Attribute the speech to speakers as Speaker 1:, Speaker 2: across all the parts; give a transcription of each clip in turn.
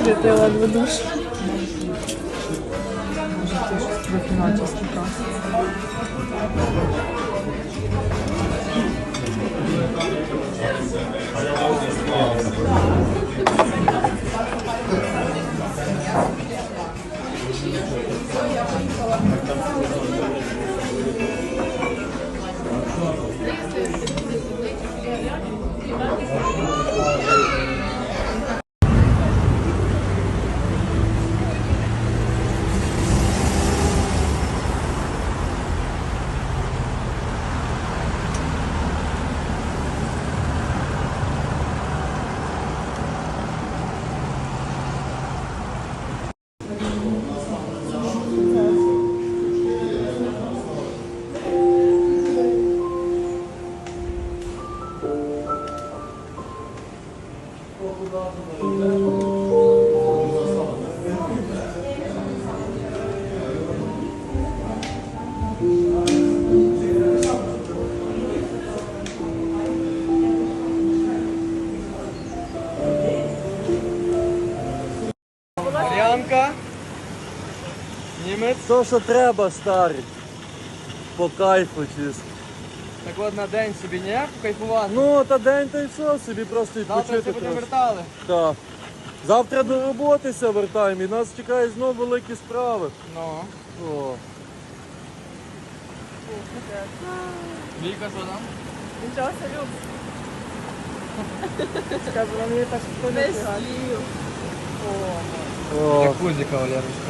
Speaker 1: Світила в душ.
Speaker 2: Трохи начисто.
Speaker 3: Мар'янка. Німець.
Speaker 4: То, що треба, старий. По кайфу чисто.
Speaker 3: Так от на день собі не покайфувати.
Speaker 4: Ну, та день та й все, собі просто
Speaker 3: Завтра
Speaker 4: відпочити
Speaker 3: це будемо
Speaker 4: трохи.
Speaker 3: вертали.
Speaker 4: Так. Завтра до роботи ся вертаємо і нас чекають знову великі справи.
Speaker 3: Ну.
Speaker 4: О.
Speaker 3: Віка, що там?
Speaker 1: Нічого собі. Скажу, мені так хто не слів.
Speaker 4: О.
Speaker 3: Джакузі, кавалерочка.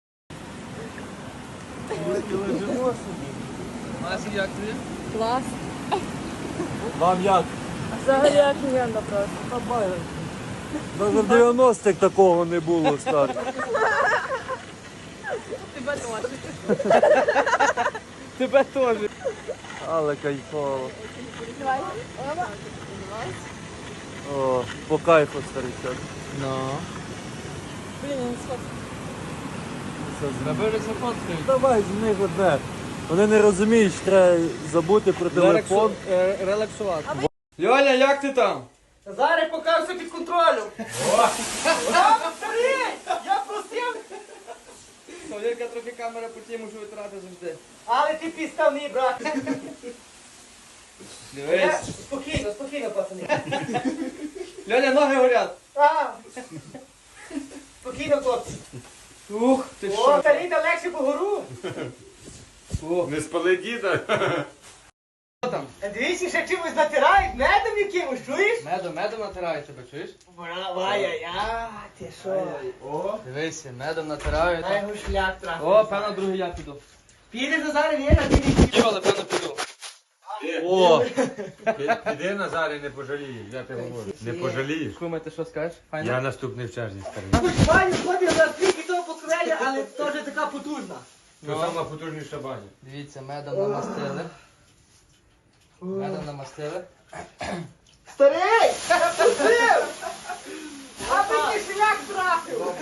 Speaker 3: Масі, як тобі?
Speaker 1: Клас.
Speaker 4: Вам як?
Speaker 1: Взагалі офігенно просто.
Speaker 4: Навіть в 90-х такого не було, старий.
Speaker 1: Тебе теж.
Speaker 3: Тебе теж.
Speaker 4: Але кайфово.
Speaker 1: Давай. Оба.
Speaker 4: О, по кайфу, старичок.
Speaker 3: Ну.
Speaker 1: Блін, я не сфоткаю.
Speaker 3: Тебе вже зафоткають.
Speaker 4: Давай з них одне. Вони не розуміють, що треба забути про телефон.
Speaker 3: Релаксувати. Льоля, як ти там?
Speaker 2: Зараз поки все під контролем. Я просив,
Speaker 3: Кавалерка трохи камера по тій мушу витрати завжди.
Speaker 2: але ти підставний, брат.
Speaker 3: Дивись.
Speaker 2: Спокійно, спокійно, пацани.
Speaker 3: Льоля, ноги горять.
Speaker 2: А. Спокійно, хлопці.
Speaker 3: Ух, ти
Speaker 2: О,
Speaker 3: що?
Speaker 2: старий та легше по гору.
Speaker 3: О,
Speaker 5: Не спали діда.
Speaker 3: що там?
Speaker 2: Дивіться, ще чимось натирають, медом якимось, чуєш?
Speaker 3: Медом натирають тебе, чуєш?
Speaker 2: Ай-яй-яй, ти що?
Speaker 5: О,
Speaker 3: Дивися, медом натирають.
Speaker 2: Дай його шлях трохи.
Speaker 3: О, певно, другий я піду.
Speaker 2: Підеш Назаре, Віра, підеш.
Speaker 3: Йоли, певно, піду.
Speaker 4: О,
Speaker 5: піди Назарі, не пожалієш, я тебе говорю. Не пожалієш.
Speaker 3: Куме, ти що скажеш? Файно?
Speaker 5: Я наступний в черзі, старий.
Speaker 2: Хоч баню ходив на скільки того покреля, але теж така потужна.
Speaker 5: Це сама потужніша баня.
Speaker 3: Дивіться, медом намастили. Медом намастили.
Speaker 2: Старий! Пустив! Аби ти шлях трапив!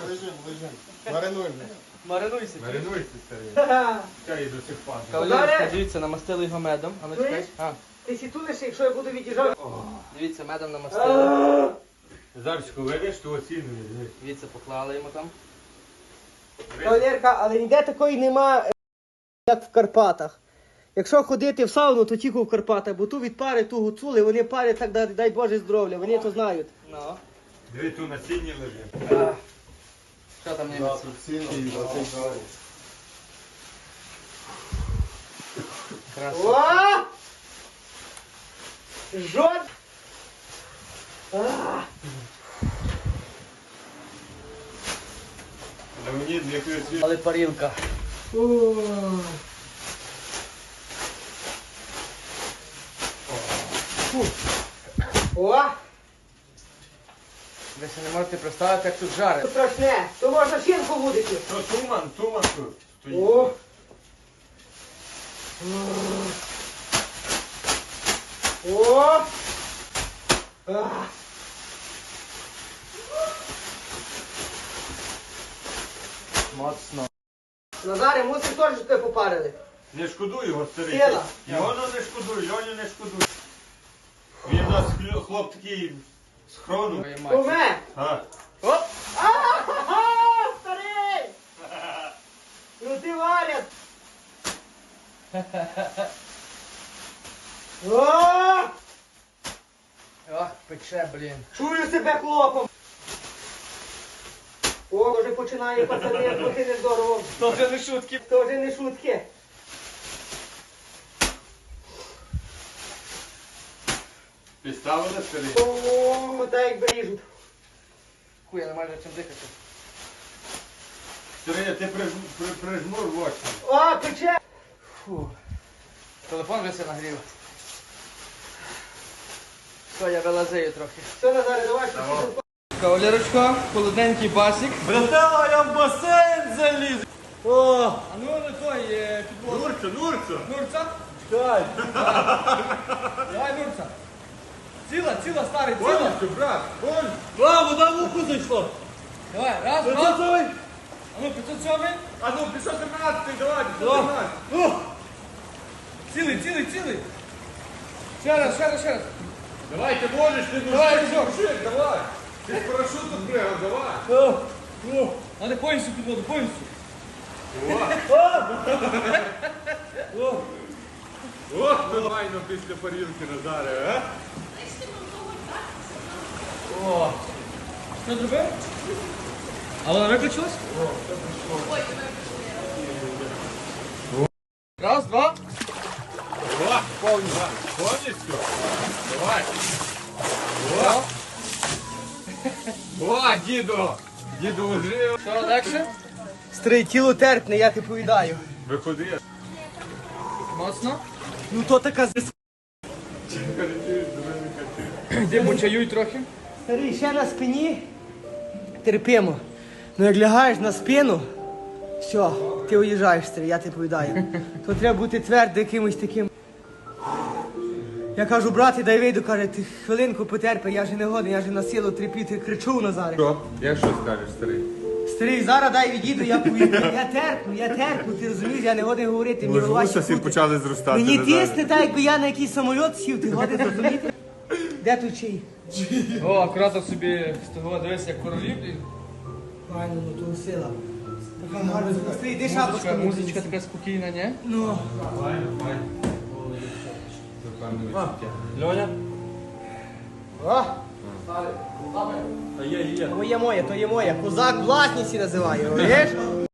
Speaker 3: Маринуйся.
Speaker 5: Маринуйся, старий. Чай до сих пар.
Speaker 3: Кавалерочка, дивіться, намастили його медом. А ну чекай.
Speaker 2: Чуєш?
Speaker 3: А,
Speaker 2: Ти сітулиш, якщо я буду від'їжджати.
Speaker 3: дивіться, медом намастили.
Speaker 5: Назарчику, видиш, ту оцінюєш.
Speaker 3: Дивіться, поклали йому там.
Speaker 2: Кавалерка, але ніде такої нема, як в Карпатах. Якщо ходити в сауну, то тільки в Карпатах, бо ту від пари, ту гуцули, вони парять так, дай Боже здоров'я, вони то знають.
Speaker 3: Ну.
Speaker 5: Диви, ту на сіні лежить.
Speaker 3: Що там німець? Красиво.
Speaker 2: О! Жод! А!
Speaker 5: На мені для красиві.
Speaker 3: Але парілка.
Speaker 2: О! О!
Speaker 3: Ви ще не можете представити, як тут жарить.
Speaker 2: Страшне! То можна шинку будити.
Speaker 5: То туман тут стоїть.
Speaker 2: О! О! А!
Speaker 3: Моцно.
Speaker 2: Назаре, мусиш теж, що тебе попарили.
Speaker 5: Не шкодуй його, старий.
Speaker 2: Сила.
Speaker 5: Його не шкодуй, Льоню не шкодуй. Він у нас хлоп такий з хрону.
Speaker 3: Твою мать.
Speaker 2: Куме!
Speaker 5: А,
Speaker 2: Оп! А! О!
Speaker 3: Ох, пече, блін.
Speaker 2: Чую себе хлопом. О, вже починає пацани, трохи нездорово.
Speaker 3: То вже не шутки.
Speaker 2: То вже не шутки.
Speaker 5: Підставили старий?
Speaker 2: О, так якби ріжуть.
Speaker 3: Хуй, я не маю чим дихати.
Speaker 5: Старий, ти прижмур в очі.
Speaker 2: О, пече.
Speaker 3: Фу. Телефон вже все нагрів. Все, я вилазею трохи.
Speaker 2: Все, Назаре, давай, що
Speaker 5: Давай.
Speaker 2: ти
Speaker 3: Кавалерочка, холодненький басик.
Speaker 4: Братела, я в басейн заліз. О,
Speaker 3: А ну на той підвод.
Speaker 5: Нурцю.
Speaker 3: Нурца?
Speaker 4: чекай.
Speaker 3: Давай, Нурца. Ціла, старий, ціла.
Speaker 5: Повністю, брат, повністю.
Speaker 4: А, вода в уху зайшла.
Speaker 3: Давай, раз,
Speaker 4: Це
Speaker 3: два.
Speaker 4: той?
Speaker 3: А ну, 507.
Speaker 5: А ну, 517, давай,
Speaker 4: О,
Speaker 5: 517.
Speaker 4: о.
Speaker 3: Цілий. Ще раз.
Speaker 5: Давай, ти можеш, ти
Speaker 3: Давай,
Speaker 5: мужик, давай. Ти з парашуту пригав, давай.
Speaker 3: Надо повністю підводу, повністю.
Speaker 5: Ох, нормально після парілки, Назаре, а?
Speaker 3: О. Що зробив? А вона виключилась? Раз, два.
Speaker 5: О, повністю. Давай.
Speaker 3: О.
Speaker 5: О, діду. Діду ужив.
Speaker 3: Що, легше?
Speaker 2: Старий, тіло терпне, я ти повідаю.
Speaker 5: Виходи.
Speaker 3: Моцно.
Speaker 2: Ну то така з...
Speaker 3: Йди почаюй трохи.
Speaker 2: Старий, ще на спині. Терпимо. Ну як лягаєш на спину, все, ти уїжджаєш, старий, я тобі повідаю. То треба бути твердо якимось таким. Я кажу, брате, дай вийду, каже, ти хвилинку потерпи, я же не годен, я же на силу тріпіти, кричу Назаре.
Speaker 5: Що? Як що скажеш, старий?
Speaker 2: Старий, зараз дай відійду, я повіду. Я терплю, ти розумієш, я не годен говорити, мені голова ще крутить.
Speaker 5: почали зростати.
Speaker 2: Мені тисне так, якби я на якийсь самоліт сів, ти годен зрозуміти? Де тут чий?
Speaker 3: О, акуратно собі з того дивись, як королів.
Speaker 2: Правильно, ну то сила. Така гарна. Старий, йди шапочку.
Speaker 3: Музичка така спокійна, ні?
Speaker 2: Ну.
Speaker 4: Льоня?
Speaker 2: О,
Speaker 4: А є.
Speaker 2: то є моє. Козак власність називає, розумієш?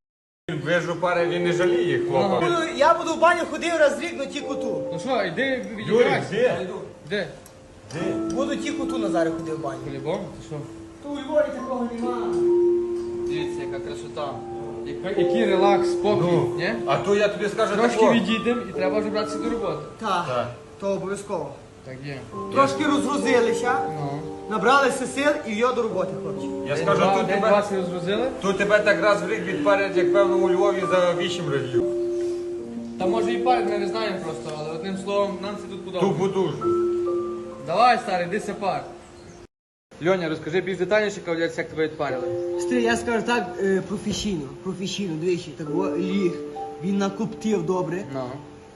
Speaker 5: Вижу пари, він не жаліє, хлопа.
Speaker 2: Я буду в баню ходив раз в рік, но тільки ту.
Speaker 3: Ну що, йди відіграйся.
Speaker 5: де?
Speaker 3: Де?
Speaker 2: Буду тільки ту Назаре ходив в баню.
Speaker 3: По-любому? Ти що?
Speaker 2: То у Львові такого нема.
Speaker 3: Дивіться, яка красота. Який релакс, спокій, ні?
Speaker 5: А то я тобі скажу
Speaker 3: Трошки
Speaker 5: тако.
Speaker 3: відійдемо і треба вже братися до роботи.
Speaker 2: Так, то обов'язково.
Speaker 3: Так є.
Speaker 2: Трошки розгрузилися,
Speaker 3: Ну.
Speaker 2: набралися сил і йо до роботи, хлопці.
Speaker 5: Я скажу, тут
Speaker 3: День
Speaker 5: тебе,
Speaker 3: 20 розгрузили.
Speaker 5: тут тебе так раз в рік відпарять, як певно у Львові за 8 разів.
Speaker 3: Та може і парить, ми не знаємо просто, але одним словом, нам це тут
Speaker 5: Ту
Speaker 3: подобається.
Speaker 5: будужу.
Speaker 3: Давай, старий, йди пар. Льоня, розкажи більш детальніше, кавалерці, як тебе відпарили.
Speaker 2: Стрій, я скажу так, професійно, двічі, так ліг, він накоптив добре.
Speaker 3: Ну.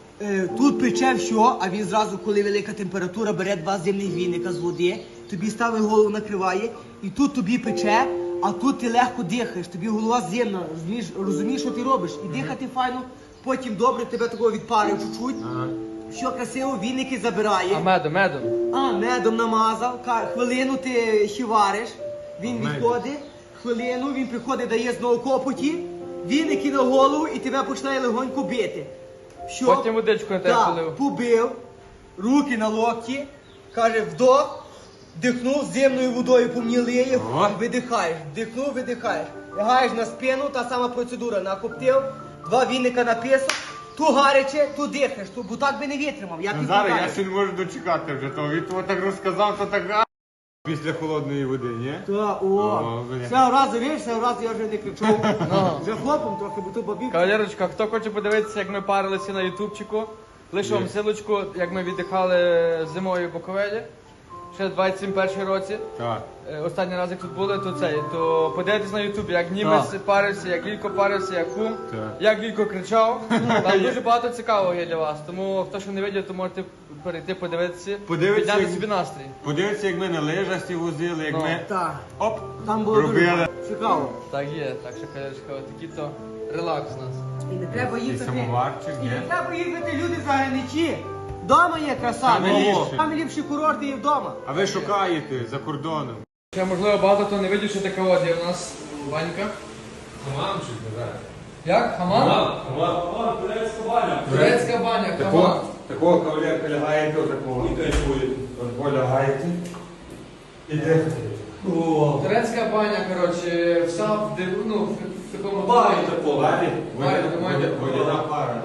Speaker 2: Тут пече все, а він зразу, коли велика температура, бере 2 земних віника з води, тобі ставить голову, накриває, і тут тобі пече, а тут ти легко дихаєш, тобі голова земна, розумієш, що ти робиш, і дихати файно, потім добре тебе такого відпарив чуть-чуть, все красиво, віники забирає.
Speaker 3: А медом?
Speaker 2: Медом намазав, хвилину ти ще вариш, він відходить, хвилину, він приходить, дає знову копоті, віники на голову і тебе починає легонько бити. Що?
Speaker 3: Потім водичку на тебе
Speaker 2: Так,
Speaker 3: полив.
Speaker 2: побив, руки на локті, каже, вдох, вдихнув, земною водою помнілиє,
Speaker 5: О.
Speaker 2: видихаєш, вдихнув, видихаєш. Лягаєш на спину, та сама процедура, накоптив, 2 віника на песок, ту гаряче, ту дихаєш, бо так би не витримав. Я тобі
Speaker 5: Назаре,
Speaker 2: кажу.
Speaker 5: я ще не можу дочекати вже того. Він того так розказав, то так після холодної води, ні?
Speaker 2: Та,
Speaker 5: бля.
Speaker 2: все разу, вірш, все разу я вже не кричу. Вже хлопом трохи, бо то бабів.
Speaker 3: Кавалерочка, хто хоче подивитися, як ми парилися на ютубчику, лише вам силочку, як ми віддихали зимою в Буковелі, ще в 21 році.
Speaker 5: Так.
Speaker 3: Останній раз, як тут були, то подивитись на ютубі, як німець парився, як Лілько парився, як кум,
Speaker 5: Так.
Speaker 3: як Лілько кричав. Там дуже багато цікавого є для вас. Тому хто ще не бачив, то можете перейти подивитися,
Speaker 5: Подивитися,
Speaker 3: підняти
Speaker 5: як-
Speaker 3: собі настрій.
Speaker 5: Подивіться, як ми на лижасті возили, як
Speaker 3: Ну.
Speaker 5: ми
Speaker 2: Так,
Speaker 5: оп,
Speaker 2: там було
Speaker 5: робили.
Speaker 2: дуже цікаво.
Speaker 3: Так є, так що кавалерочка, отакий то релакс у нас.
Speaker 2: І не треба
Speaker 5: І
Speaker 2: їхати.
Speaker 5: самоварчик,
Speaker 2: І
Speaker 5: ні?
Speaker 2: не треба їхати, люди за граничі. Дома є краса.
Speaker 5: Саме ліпше.
Speaker 2: Саме ліпші курорти є вдома.
Speaker 5: А ви шукаєте за кордоном.
Speaker 3: Ще, можливо, багато хто не видів, що така от є у нас банька.
Speaker 5: Хамамчик, так.
Speaker 3: Як? Хамам? Турецька баня, хамам.
Speaker 5: Такого кавалерка лягаєте, отакого. І кайфуєте. От полягаєте. І дихаєте.
Speaker 3: Турецька баня, коротше, вся в такому
Speaker 5: Валі?
Speaker 3: Валі,
Speaker 5: Водяна пара.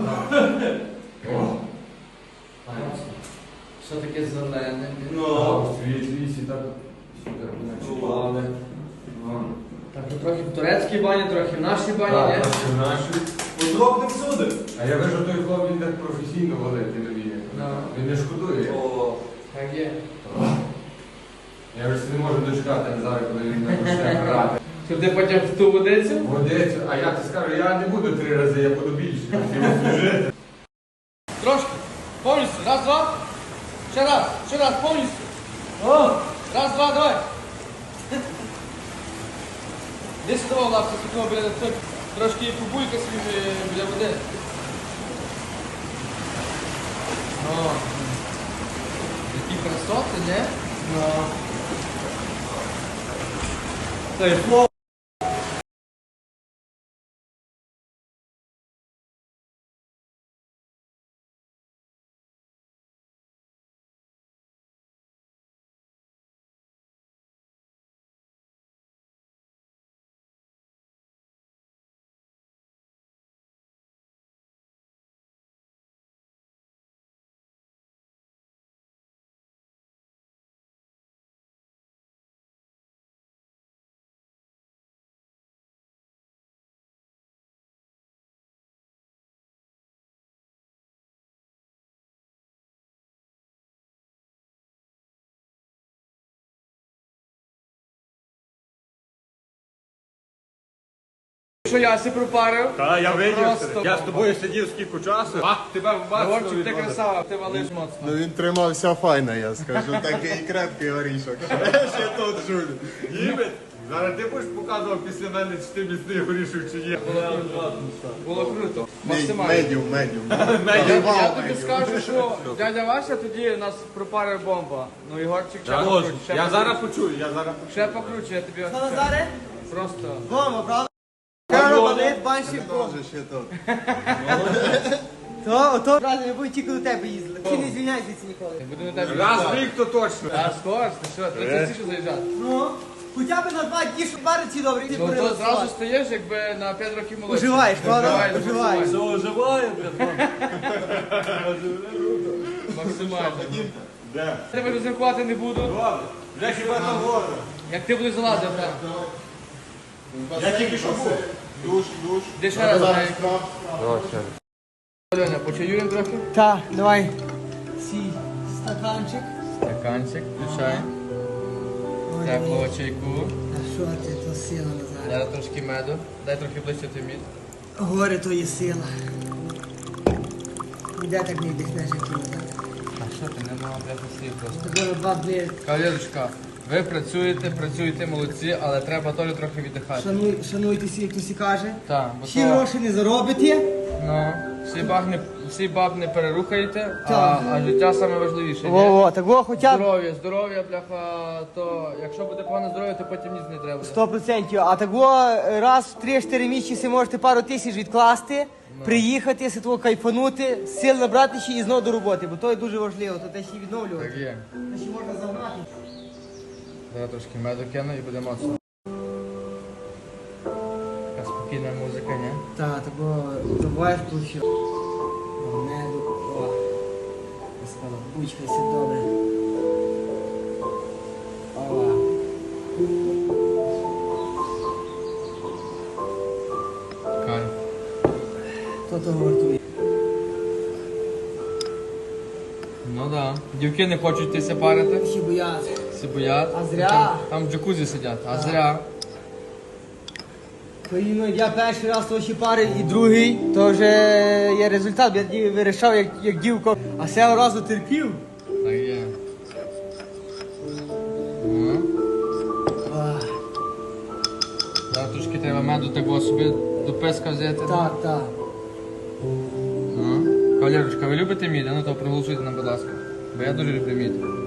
Speaker 3: Що таке зелене?
Speaker 5: Світ, так. Ночували.
Speaker 3: Так, ну, трохи в турецькій бані, трохи в нашій бані, ні?
Speaker 5: Подробно всюди. А я вижу, той хлоп, він так професійно валить, не вміє. Він не шкодує.
Speaker 3: Так є.
Speaker 5: Я вже не можу дочекати зараз, коли він почне грати.
Speaker 3: Туди потім в ту водицю?
Speaker 5: Водицю, а я ти скажу, я не буду 3 рази, я буду більше. Хотів служити.
Speaker 3: Трошки. Повністю. Раз, два. Ще раз, повністю. Раз, два, давай. Десь сюди, лапка, сюди, біля тут. Трошки побуйка собі біля води. О. Які красоти, не?
Speaker 4: Та й фло.
Speaker 3: Що я си пропарив?
Speaker 4: Та, я видів.
Speaker 3: Просто
Speaker 4: Я з тобою сидів скільки часу.
Speaker 3: тебе Вовчик, ти красава, ти валиш моцно.
Speaker 6: Ну він тримався файно, я скажу. Такий крепкий горішок. Ще тут жуль.
Speaker 5: Німець, зараз ти будеш показував після мене, чи ти міцний горішок, чи ні.
Speaker 3: Було круто. Максимально.
Speaker 6: Медіум.
Speaker 3: Я тобі скажу, що дядя Вася тоді нас пропарив бомба. Ну Ігорчик ще покруче.
Speaker 5: Я зараз почую,
Speaker 3: Ще покруче, я тобі
Speaker 2: Що, Назаре?
Speaker 3: просто.
Speaker 2: Дома, правда? Кaro балет, банщик.
Speaker 6: Тоже ще тут.
Speaker 2: То, правда, не буду тільки до тебе їздили. Ти не звільняйся ніколи.
Speaker 3: Буду на тебе.
Speaker 5: Раз в рік то точно.
Speaker 3: А скоро, ти що, треба частіше заїжджати.
Speaker 2: Ну, хоча б на 2 дні, щоб бариці добрі.
Speaker 3: Ну то зразу стаєш, якби на 5 років молодший.
Speaker 2: Уживаєш, правда?
Speaker 3: Уживаєш,
Speaker 2: Уживаєш.
Speaker 4: Все оживає, блядь.
Speaker 3: Максимально.
Speaker 5: Де?
Speaker 3: Тебе розрахувати не буду.
Speaker 5: Добре. Вже хіба там вода.
Speaker 3: Як ти будеш залазити, так.
Speaker 5: Я тільки що був.
Speaker 6: Душ.
Speaker 3: Де ще раз знаю. Альоня, почаюємо трохи?
Speaker 2: Так, давай. Сій стаканчик.
Speaker 3: Стаканчик, включай. Теплого чайку.
Speaker 2: А що ти, то сила, Назаре?
Speaker 3: Зараз трошки меду. Дай трохи ближче той мід.
Speaker 2: Горе то є сила. Де так не вдихнеш, як ти, Назаре?
Speaker 3: А що ти, не мав бляха слів просто.
Speaker 2: Тебе 2 дні.
Speaker 3: Кавалерочка, ви працюєте молодці, але треба теж трохи віддихати.
Speaker 2: Шануйтеся, як хтось каже.
Speaker 3: Так, бо
Speaker 2: Всі
Speaker 3: то,
Speaker 2: гроші не заробите.
Speaker 3: ну, всі баб не перерухаєте,
Speaker 2: Так.
Speaker 3: а життя саме важливіше. ні?
Speaker 2: Во-во, так во, хоча б
Speaker 3: Здоров'я, бляха, то якщо буде погане здоров'я, то потім ніц не треба.
Speaker 2: 100%. А так во, раз в 3-4 місяці можете пару тисяч відкласти, приїхати, си того кайфанути, сил набрати ще і знову до роботи, бо то є дуже важливо, то те ще й відновлювати.
Speaker 3: Так є.
Speaker 2: Те ще можна загнати.
Speaker 3: Зараз трошки меду кину і буде моцно. Така спокійна музика, ні?
Speaker 2: Так, так во, забуваєш включив. Меду, о. Господа, бучкайся добре. Ова.
Speaker 3: Кайф.
Speaker 2: То того вартує.
Speaker 3: Ну да. Дівки не хочуть йтися парити.
Speaker 2: Всі бояться.
Speaker 3: Всі боять.
Speaker 2: А зря.
Speaker 3: Там в джакузі сидять, а зря.
Speaker 2: Коли я перший раз то ще пари і другий, то вже є результат. Я тоді вирішав, як дівко, а цього разу терпів.
Speaker 3: Так є. Ну.
Speaker 2: Ах,
Speaker 3: Зараз трошки треба меду такого собі до писка взяти.
Speaker 2: так, так.
Speaker 3: Ну, кавалерочка, ви любите мід? А ну то проголосуйте нам, будь ласка. Бо я дуже люблю мід.